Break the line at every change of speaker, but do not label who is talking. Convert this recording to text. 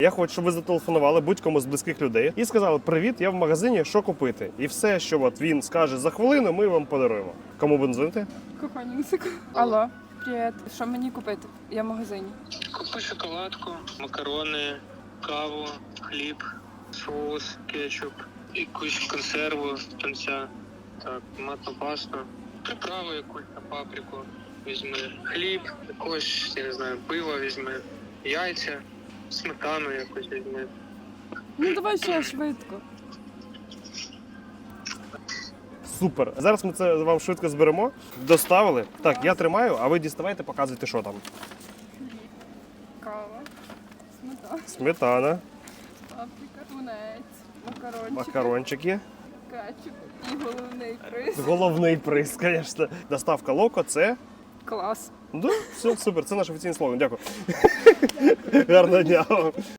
Я хочу, щоб ви зателефонували будь-кому з близьких людей і сказали: привіт, я в магазині, що купити? І все, що от він скаже за хвилину, ми вам подаруємо. Кому будемо дзвонити?
Кохані музику. Алло, привіт. Що мені купити? Я в магазині.
Купи шоколадку, макарони, каву, хліб, соус, кетчуп, якусь консерву, тунця, так, томатну пасту, приправу якусь на паприку візьми, хліб, якось, я не знаю, пиво візьми, яйця, сметану якусь візьми.
Ну давай ще швидко.
Супер. Зараз ми це вам швидко зберемо. Доставили. Так, я тримаю, а ви діставайте, показуйте, що там.
Кава, сметана,
Сметана,
паприка, тунець,
макарончики.
кетчуп і головний приз.
Головний приз, звісно. Доставка Локо – це...
Клас.
Да, все, супер, це наш офіційний слоган. Дякую. Гарного дня вам.